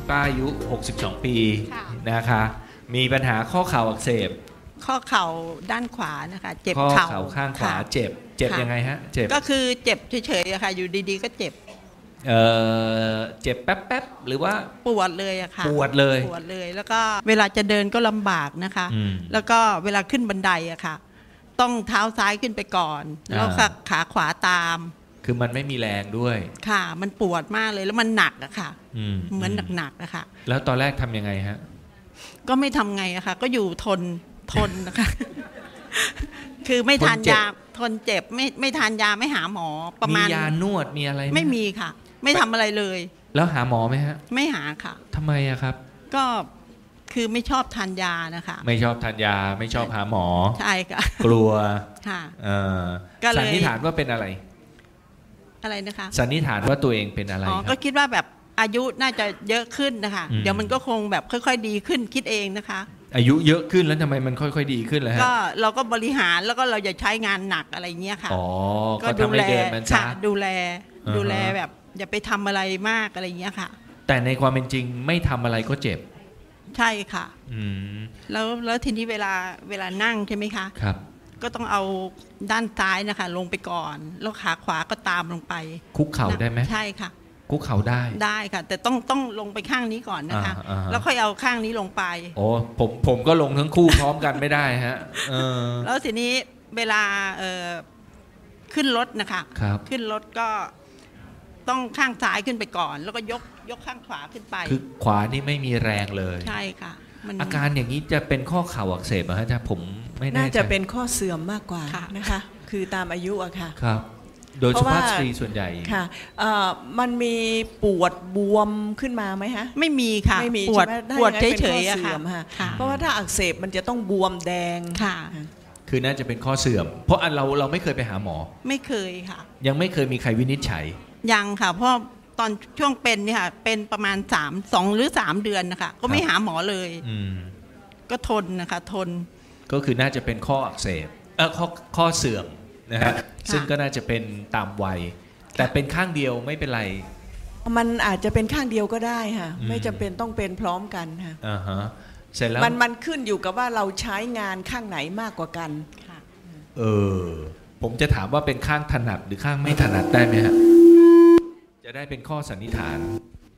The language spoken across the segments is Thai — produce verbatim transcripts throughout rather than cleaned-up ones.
ป้าอายุหกสิบสองปีนะคะมีปัญหาข้อเข่าอักเสบข้อเข่าด้านขวานะคะเจ็บข้อเข่าเข่าข้างขวาเจ็บเจ็บยังไงฮะเจ็บก็คือเจ็บเฉยๆอะค่ะอยู่ดีๆก็เจ็บเออเจ็บแป๊บๆหรือว่าปวดเลยอะค่ะปวดเลยปวดเลยแล้วก็เวลาจะเดินก็ลำบากนะคะแล้วก็เวลาขึ้นบันไดอะค่ะต้องเท้าซ้ายขึ้นไปก่อนแล้วขาขวาตามคือมันไม่มีแรงด้วยค่ะมันปวดมากเลยแล้วมันหนักอะค่ะเหมือนหนักๆอะค่ะแล้วตอนแรกทำยังไงฮะก็ไม่ทำไงอะค่ะก็อยู่ทนทนนะคะคือไม่ทานยาทนเจ็บไม่ไม่ทานยาไม่หาหมอประมาณมียานวดมีอะไรไม่มีค่ะไม่ทำอะไรเลยแล้วหาหมอไหมฮะไม่หาค่ะทำไมอะครับก็คือไม่ชอบทานยานะคะไม่ชอบทานยาไม่ชอบหาหมอใช่ค่ะกลัวค่ะเออสันนิษฐานว่าเป็นอะไรอะไรนะคะสันนิษฐานว่าตัวเองเป็นอะไรอ๋อก็คิดว่าแบบอายุน่าจะเยอะขึ้นนะคะเดี๋ยวมันก็คงแบบค่อยๆดีขึ้นคิดเองนะคะอายุเยอะขึ้นแล้วทำไมมันค่อยๆดีขึ้นล่ะฮะก็เราก็บริหารแล้วก็เราอย่าใช้งานหนักอะไรเงี้ยค่ะอ๋อก็ทำให้เดินมันช้าดูแลดูแลแบบอย่าไปทำอะไรมากอะไรเงี้ยค่ะแต่ในความเป็นจริงไม่ทำอะไรก็เจ็บใช่ค่ะอืมแล้วแล้วทีนี้เวลาเวลานั่งใช่ไหมคะครับก็ต้องเอาด้านซ้ายนะคะลงไปก่อนแล้วขาขวาก็ตามลงไปคุกเข่าได้ไหมใช่ค่ะคุกเข่าได้ได้ค่ะแต่ต้องต้องลงไปข้างนี้ก่อนนะคะแล้วค่อยเอาข้างนี้ลงไปโอ้ผมผมก็ลงทั้งคู่พร้อมกันไม่ได้ฮะแล้วทีนี้เวลาเอ่อขึ้นรถนะคะขึ้นรถก็ต้องข้างซ้ายขึ้นไปก่อนแล้วก็ยกยกข้างขวาขึ้นไปคือขวานี่ไม่มีแรงเลยใช่ค่ะอาการอย่างนี้จะเป็นข้อเข่าอักเสบเหรอฮะจ๊ะผมไม่แน่ใจน่าจะเป็นข้อเสื่อมมากกว่านะคะคือตามอายุอะค่ะครับโดยสุภาพสตรีส่วนใหญ่ค่ะมันมีปวดบวมขึ้นมาไหมฮะไม่มีค่ะไม่มีปวดปวดเฉยๆอะค่ะเพราะว่าถ้าอักเสบมันจะต้องบวมแดงค่ะคือน่าจะเป็นข้อเสื่อมเพราะอันเราเราไม่เคยไปหาหมอไม่เคยค่ะยังไม่เคยมีใครวินิจฉัยยังค่ะเพราะตอนช่วงเป็นเนี่ยค่ะเป็นประมาณสามสองหรือสามเดือนนะคะก็ไม่หาหมอเลยก็ทนนะคะทนก็คือน่าจะเป็นข้ออักเสบเออข้อข้อเสื่อมนะฮะซึ่งก็น่าจะเป็นตามวัยแต่เป็นข้างเดียวไม่เป็นไรมันอาจจะเป็นข้างเดียวก็ได้ค่ะไม่จำเป็นต้องเป็นพร้อมกันค่ะอ่าฮะเสร็จแล้วมันมันขึ้นอยู่กับว่าเราใช้งานข้างไหนมากกว่ากันเออผมจะถามว่าเป็นข้างถนัดหรือข้างไม่ถนัดได้ไหมฮะจะได้เป็นข้อสันนิษฐาน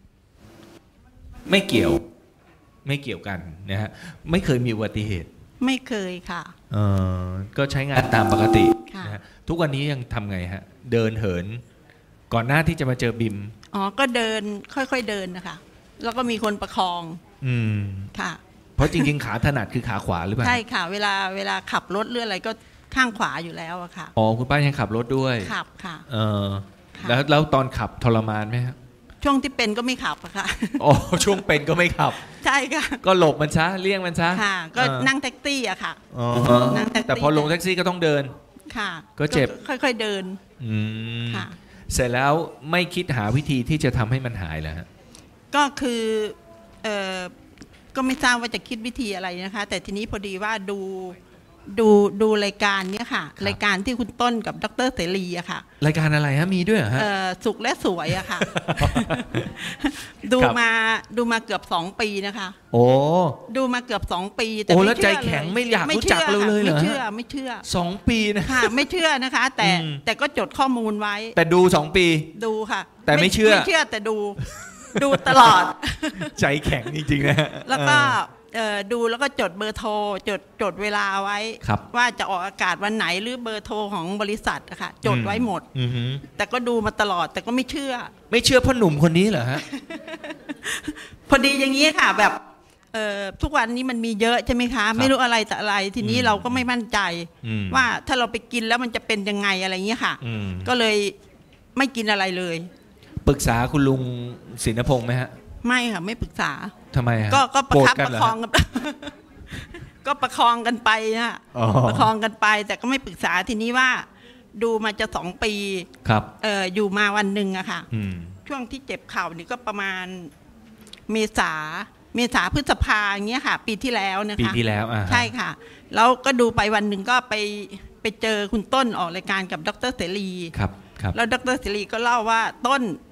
ไม่เกี่ยวไม่เกี่ยวกันนะฮะไม่เคยมีอุบัติเหตุไม่เคยค่ะเออก็ใช้งานตามปกตินะฮะทุกวันนี้ยังทำไงฮะเดินเหินก่อนหน้าที่จะมาเจอบิมอ๋อก็เดินค่อยๆเดินนะคะแล้วก็มีคนประคองอืมค่ะเพราะจริงๆขาถนัดคือขาขวาหรือเปล่าใช่ค่ะเวลาเวลาขับรถเรืออะไรก็ข้างขวาอยู่แล้วอะค่ะอ๋อคุณป้ายังขับรถด้วยขับค่ะเออแล้วแล้วตอนขับทรมานไหมครับช่วงที่เป็นก็ไม่ขับอะค่ะอ๋อช่วงเป็นก็ไม่ขับใช่ค่ะก็หลบมันซะเลี่ยงมันซะค่ะก็นั่งแท็กซี่อะค่ะอ๋อแต่พอลงแท็กซี่ก็ต้องเดินค่ะก็เจ็บค่อยๆเดินอืมค่ะเสร็จแล้วไม่คิดหาวิธีที่จะทำให้มันหายแล้วฮะก็คือเออก็ไม่ทราบว่าจะคิดวิธีอะไรนะคะแต่ทีนี้พอดีว่าดูดูดูรายการเนี้ยค่ะรายการที่คุณต้นกับดร.เสรีอะค่ะรายการอะไรฮะมีด้วยเหรอฮะสุขและสวยอะค่ะดูมาดูมาเกือบสองปีนะคะโอ้ดูมาเกือบสองปีแต่โอ้แล้วใจแข็งไม่อยากรู้จักเราเลยเหรอไม่เชื่อไม่เชื่อสองปีนะค่ะไม่เชื่อนะคะแต่แต่ก็จดข้อมูลไว้แต่ดูสองปีดูค่ะแต่ไม่เชื่อไม่เชื่อแต่ดูดูตลอดใจแข็งจริงๆนะแล้วก็ดูแล้วก็จดเบอร์โทรจดจดเวลาไว้ว่าจะออกอากาศวันไหนหรือเบอร์โทรของบริษัทอะค่ะจดไว้หมดแต่ก็ดูมาตลอดแต่ก็ไม่เชื่อไม่เชื่อพ่อหนุ่มคนนี้เหรอฮะพอดีอย่างนี้ค่ะแบบทุกวันนี้มันมีเยอะใช่ไหมคะไม่รู้อะไรแต่อะไรทีนี้เราก็ไม่มั่นใจว่าถ้าเราไปกินแล้วมันจะเป็นยังไงอะไรเงี้ยค่ะก็เลยไม่กินอะไรเลยปรึกษาคุณลุงศินพงษ์ไหมฮะไม่ค่ะไม่ปรึกษาทำไมฮะก็ก็ประคับประคองกันก็ประคองกันไปนะประคองกันไปแต่ก็ไม่ปรึกษาทีนี้ว่าดูมาจะสองปีครับเอออยู่มาวันหนึ่งอะค่ะช่วงที่เจ็บเข่านี่ก็ประมาณเมษาเมษาพฤษภาอย่างเงี้ยค่ะปีที่แล้วนะคะปีที่แล้วอ่าใช่ค่ะแล้วก็ดูไปวันหนึ่งก็ไปไปเจอคุณต้นออกรายการกับดร.เสรีครับครับแล้วดร.เสรีก็เล่าว่าต้น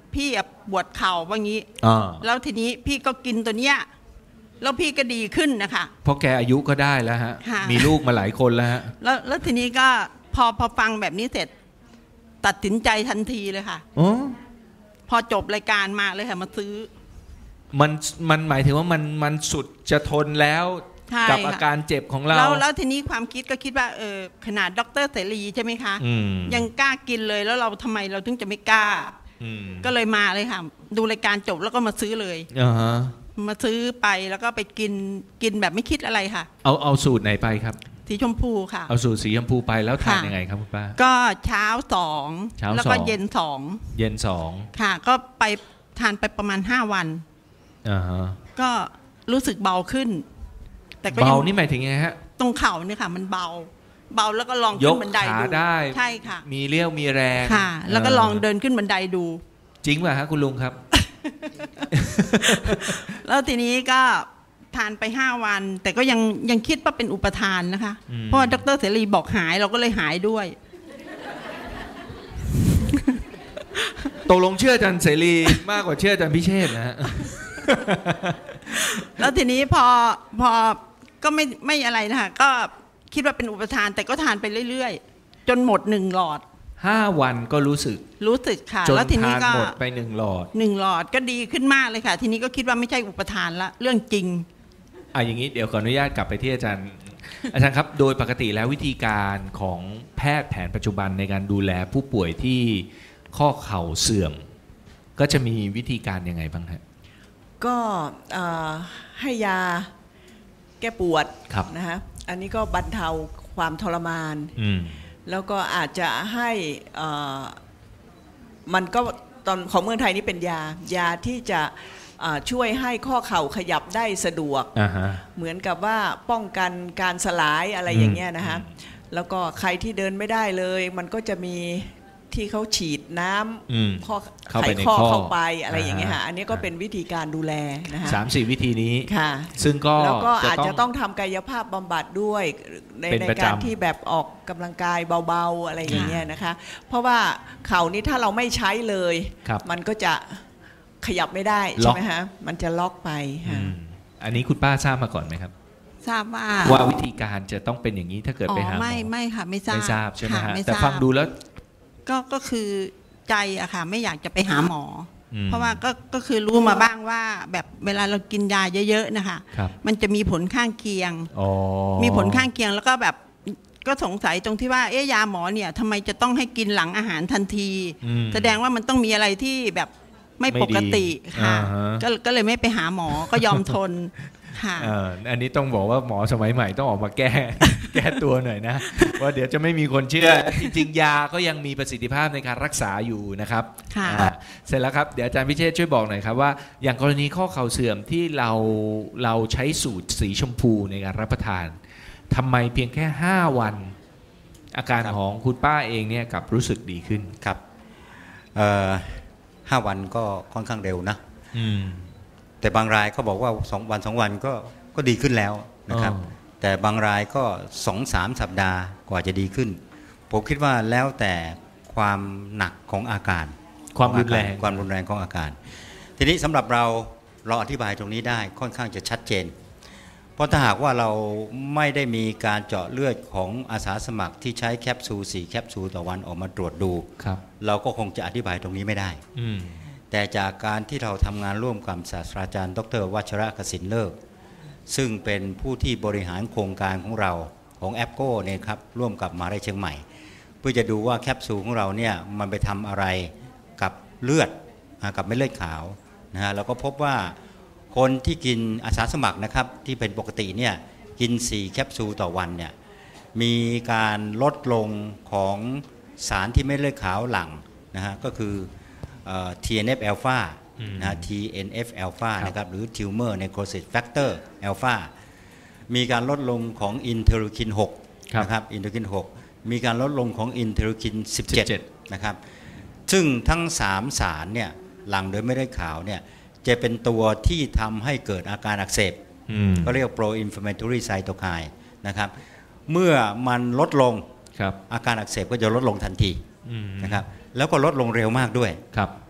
พี่ปวดเข่าว่างี้อ่าแล้วทีนี้พี่ก็กินตัวเนี้ยแล้วพี่ก็ดีขึ้นนะคะเพราะแกอายุก็ได้แล้วฮะค่ะมีลูกมาหลายคนแล้วฮะแล้วแล้วทีนี้ก็พอพอฟังแบบนี้เสร็จ ตัดสินใจทันทีเลยค่ะอ๋อพอจบรายการมาเลยค่ะมาซื้อมันมันหมายถึงว่ามันมันสุดจะทนแล้วใช่กับค่ะอาการเจ็บของเราแล้วแล้วทีนี้ความคิดก็คิดว่าเออขนาดดรเสรีใช่ไหมคะอืมยังกล้ากินเลยแล้วเราทำไมเราถึงจะไม่กล้าอืมก็เลยมาเลยค่ะ ดูรายการจบแล้วก็มาซื้อเลยอ่าฮะมาซื้อไปแล้วก็ไปกินกินแบบไม่คิดอะไรค่ะเอาเอาสูตรไหนไปครับสีชมพูค่ะเอาสูตรสีชมพูไปแล้วทานค่ะยังไงครับคุณป้าก็เช้าสองเช้าแล้วก็สองเย็นสองเย็นสองค่ะ ก็ไปทานไปประมาณห้าวันอ่าฮะก็รู้สึกเบาขึ้น แต่ก็เบายังนี่หมายถึงไงฮะตรงเข่าเนี่ยค่ะ มันเบา เบาแล้วก็ลองยขึ้กนบันไดขาดูได้ใช่ค่ะมีเรี่ยวมีแรงค่ะ แล้วก็ลองเดินขึ้นบันไดดูจริงป่ะฮะคุณลุงครับแล้วทีนี้ก็ทานไปห้าวัน แต่ก็ยังยังคิดว่าเป็นอุปทานนะคะอืมเพราะว่าดรเสรีบอกหายเราก็เลยหายด้วยตกลงเชื่ออาจารย์เสรีมากกว่าเชื่ออาจารย์พิเชษฐ์นะฮะแล้วทีนี้พอพอก็ไม่ไม่อะไรนะคะก็คิดว่าเป็นอุปทาน แต่ก็ทานไปเรื่อยๆ จนหมดหนึ่งหลอดห้าวันก็รู้สึกรู้สึกค่ะจนแล้วทีนี้ทานก็หมดไปหนึ่งหลอดหนึ่งหลอดก็ดีขึ้นมากเลยค่ะ ทีนี้ก็คิดว่าไม่ใช่อุปทานละเรื่องจริงอ่ะอย่างนี้เดี๋ยวขออนุญาตกลับไปที่อาจารย์ อาจารย์ครับ โดยปกติแล้ววิธีการของแพทย์แผนปัจจุบันในการดูแลผู้ป่วยที่ข้อเข่าเสื่อม ก็จะมีวิธีการยังไงบ้างฮะก็เอ่อให้ยาแก้ปวดครับนะฮะอันนี้ก็บรรเทาความทรมานอืมแล้วก็อาจจะให้เอ่อมันก็ตอนของเมืองไทยนี่เป็นยายาที่จะเอ่อช่วยให้ข้อเข่าขยับได้สะดวกอ่าฮะเหมือนกับว่าป้องกันการสลายอะไรอย่างเงี้ยนะฮะแล้วก็ใครที่เดินไม่ได้เลย มันก็จะมีที่เขาฉีดน้อืมำข้อเข้าไขไปในข้อข้อเข้าไปอะไรอย่างเงี้ยอ่าฮะฮะอันนี้ก็เป็นวิธีการดูแลนะฮะสามสี่วิธีนี้ค่ะซึ่งก็แล้วก็อาจจะต้องทำกายภาพบำบัดด้วยในเป็นในประจำการที่แบบออกกำลังกายเบาๆอะไรอย่างเงี้ยนะคะ เพราะว่าเข่านี้ถ้าเราไม่ใช้เลยครับมันก็จะขยับไม่ได้ล็ใช่อกไหมฮะมันจะล็อกไปอืฮะมอันนี้คุณป้าทราบมาก่อนไหมครับทราบว่าว่าวิธีการจะต้องเป็นอย่างนี้ถ้าเกิดอ๋ไปอหาหมอไม่ไม่ค่ะ ไม่ทราบไม่ทราบใช่ไหมค่ฮะไม่แต่ทราบฟังดูแล้วก็ก็คือใจอะค่ะ ไม่อยากจะไปหาหมออมเพราะว่าก็ก็คือรู้มาบ้างว่า แบบเวลาเรากินยาเยอะๆนะคะครับมันจะมีผลข้างเคียงอ๋อมีผลข้างเคียงแล้วก็แบบก็สงสัยตรงที่ว่าเอ๊ะยาหมอเนี่ยทำไมจะต้องให้กินหลังอาหารทันทีอืมแสดงว่ามันต้องมีอะไรที่แบบไม่ไม่ปกติดีค่ะอ่าฮะก็ก็เลยไม่ไปหาหมอก็ยอมทนค่ะเอ่ออันนี้ต้องบอกว่าหมอสมัยใหม่ต้องออกมาแก้ แก้ตัวหน่อยนะว่าเดี๋ยวจะไม่มีคนเชื่อ จริงๆ ยาก็ยังมีประสิทธิภาพในการรักษาอยู่นะครับค่ะอ่าเสร็จแล้วครับเดี๋ยวอาจารย์พิเชษช่วยบอกหน่อยครับว่าอย่างกรณีข้อเข่าเสื่อมที่เราเราใช้สูตรสีชมพูในการรับประทานทำไมเพียงแค่ห้าวัน อาการครับของคุณป้าเองเนี่ยกลับรู้สึกดีขึ้นครับเอ่อห้าวันก็ค่อนข้างเร็วนะอืมแต่บางรายก็บอกว่าสองวันสองวันก็ก็ดีขึ้นแล้วนะครับอ๋อแต่บางรายก็สองสามสัปดาห์กว่าจะดีขึ้น ผมคิดว่าแล้วแต่ความหนักของอาการความรุนแรงความรุนแรงของอาการ ทีนี้สำหรับเราเราอธิบายตรงนี้ได้ค่อนข้างจะชัดเจน เพราะถ้าหากว่าเราไม่ได้มีการเจาะเลือดของอาสาสมัครที่ใช้แคปซูลสี่แคปซูลต่อวันออกมาตรวจดูครับเราก็คงจะอธิบายตรงนี้ไม่ได้อืมแต่จากการที่เราทำงานร่วมกับศาสตราจารย์ดรวัชระกสินเลิกซึ่งเป็นผู้ที่บริหารโครงการของเราของแอปโก้เนี่ยครับร่วมกับมหาวิทยาลัยเชียงใหม่ เพื่อจะดูว่าแคปซูลของเราเนี่ยมันไปทำอะไรกับเลือดอ่ากับเม็ดเลือดขาวนะฮะเราก็พบว่าคนที่กินอาสาสมัครนะครับที่เป็นปกติเนี่ยกินสี่แคปซูลต่อวันเนี่ยมีการลดลงของสารที่เม็ดเลือดขาวหลั่งนะฮะก็คือเอ่อ ที เอ็น เอฟ alpha อืมนะฮะ ที เอ็น เอฟ alpha ครับนะครับหรือ tumor necrosis factor alpha มีการลดลงของอินเทอร์ลูคินหกครับนะครับอินเทอร์ลูคินหกมีการลดลงของอินเทอร์ลูคินสิบเจ็ดสิบเจ็ดนะครับซึ่งทั้งสามสารเนี่ยหลั่งโดยไม่ได้ขาวเนี่ยจะเป็นตัวที่ทำให้เกิดอาการอักเสบอืมก็เรียก pro inflammatory cytokine นะครับเมื่อมันลดลงครับอาการอักเสบก็จะลดลงทันทีอืมนะครับแล้วก็ลดลงเร็วมากด้วยครับ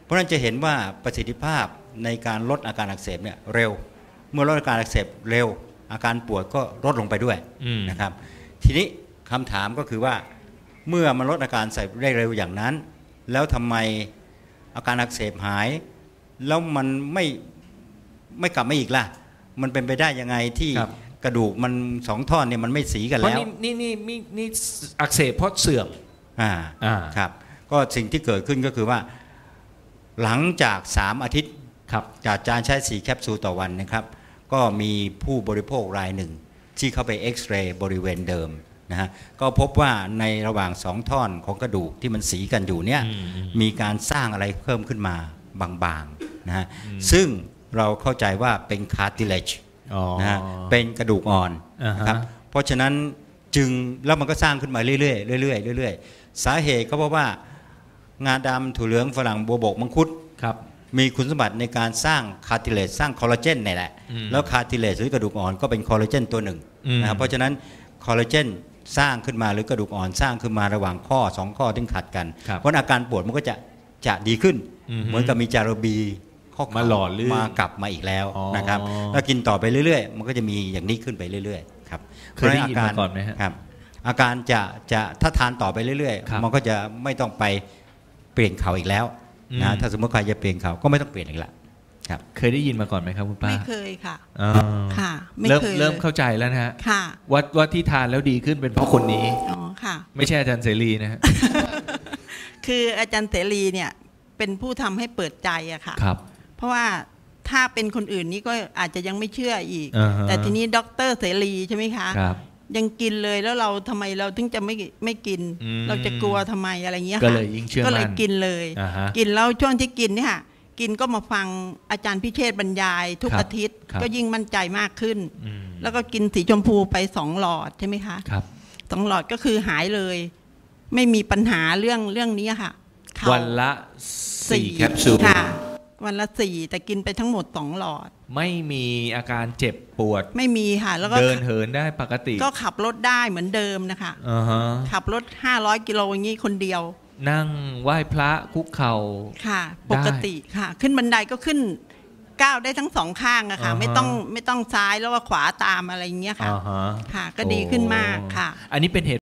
เพราะฉะนั้นจะเห็นว่าประสิทธิภาพในการลดอาการอักเสบเนี่ยเร็วเมื่อลดอาการอักเสบเร็วอาการปวดก็ลดลงไปด้วยนะครับทีนี้คำถามก็คือว่าเมื่อมันลดอาการอักเสบได้เร็วอย่างนั้นแล้วทำไมอาการอักเสบหายแล้วมันไม่ไม่กลับมาอีกล่ะมันเป็นไปได้ยังไงที่กระดูกมันสองท่อนเนี่ยมันไม่สีกันแล้วนี่นี่นี่นี่อักเสบเพราะเสื่อมอ่าอ่าครับก็สิ่งที่เกิดขึ้นก็คือว่าหลังจากสามอาทิตย์จากการใช้สี่แคปซูลต่อวันนะครับก็มีผู้บริโภครายหนึ่งที่เข้าไปเอ็กซเรย์บริเวณเดิมนะฮะก็พบว่าในระหว่างสองท่อนของกระดูกที่มันสีกันอยู่เนี่ยมีการสร้างอะไรเพิ่มขึ้นมาบางๆนะฮะซึ่งเราเข้าใจว่าเป็น cartilage นะฮะเป็นกระดูกอ่อนนะครับเพราะฉะนั้นจึงแล้วมันก็สร้างขึ้นมาเรื่อยๆเรื่อยๆเรื่อยๆสาเหตุก็เพราะว่างาดำถั่วเหลืองฝรั่งบัวบกมังคุดมีคุณสมบัติในการสร้างคาร์ติเลจสร้างคอลลาเจนนี่แหละแล้วคาร์ติเลจหรือกระดูกอ่อนก็เป็นคอลลาเจนตัวหนึ่งนะครับเพราะฉะนั้นคอลลาเจนสร้างขึ้นมาหรือกระดูกอ่อนสร้างขึ้นมาระหว่างข้อสองข้อที่ขัดกันเพราะอาการปวดมันก็จะจะดีขึ้นเหมือนกับมีจารบีข้อมาหล่อลื่นมากลับมาอีกแล้วนะครับแล้วกินต่อไปเรื่อยๆมันก็จะมีอย่างนี้ขึ้นไปเรื่อยๆครับเคยได้ยินมาก่อนไหมครับอาการจะจะถ้าทานต่อไปเรื่อยๆมันก็จะไม่ต้องไปเปลี่ยนเขาอีกแล้วนะถ้าสมมติใครจะเปลี่ยนเขาก็ไม่ต้องเปลี่ยนอีกละครับเคยได้ยินมาก่อนไหมครับคุณป้าไม่เคยค่ะค่ะไม่เคยเริ่มเข้าใจแล้วนะฮะค่ะว่าว่าที่ทานแล้วดีขึ้นเป็นเพราะคนนี้อ๋อค่ะไม่ใช่อาจารย์เสรีนะฮะคืออาจารย์เสรีเนี่ยเป็นผู้ทำให้เปิดใจอะค่ะครับเพราะว่าถ้าเป็นคนอื่นนี่ก็อาจจะยังไม่เชื่ออีกแต่ทีนี้ด็อกเตอร์เสรีใช่ไหมคะครับยังกินเลยแล้วเราทำไมเราถึงจะไม่ไม่กินเราจะกลัวทำไมอะไรเงี้ยก็เลยยิ่งเชื่อมั่นก็เลยกินเลยกินแล้วช่วงที่กินเนี่ยกินก็มาฟังอาจารย์พิเชษบรรยายทุกอาทิตย์ก็ยิ่งมั่นใจมากขึ้นแล้วก็กินสีชมพูไปสองหลอดใช่ไหมคะครับสองหลอดก็คือหายเลยไม่มีปัญหาเรื่องเรื่องนี้ค่ะวันละสี่แคปซูลค่ะวันละสี่แต่กินไปทั้งหมดสองหลอดไม่มีอาการเจ็บปวดไม่มีค่ะแล้วก็เดินเหินได้ปกติก็ขับรถได้เหมือนเดิมนะคะอ่าฮะขับรถห้าร้อยกิโลอย่างนี้คนเดียวนั่งไหว้พระคุกเข่าค่ะปกติค่ะขึ้นบันไดก็ขึ้นก้าวได้ทั้งสองข้างอะค่ะไม่ต้องไม่ต้องซ้ายแล้วก็ขวาตามอะไรอย่างเงี้ยค่ะค่ะก็ดีขึ้นมากค่ะอันนี้เป็นเหตุ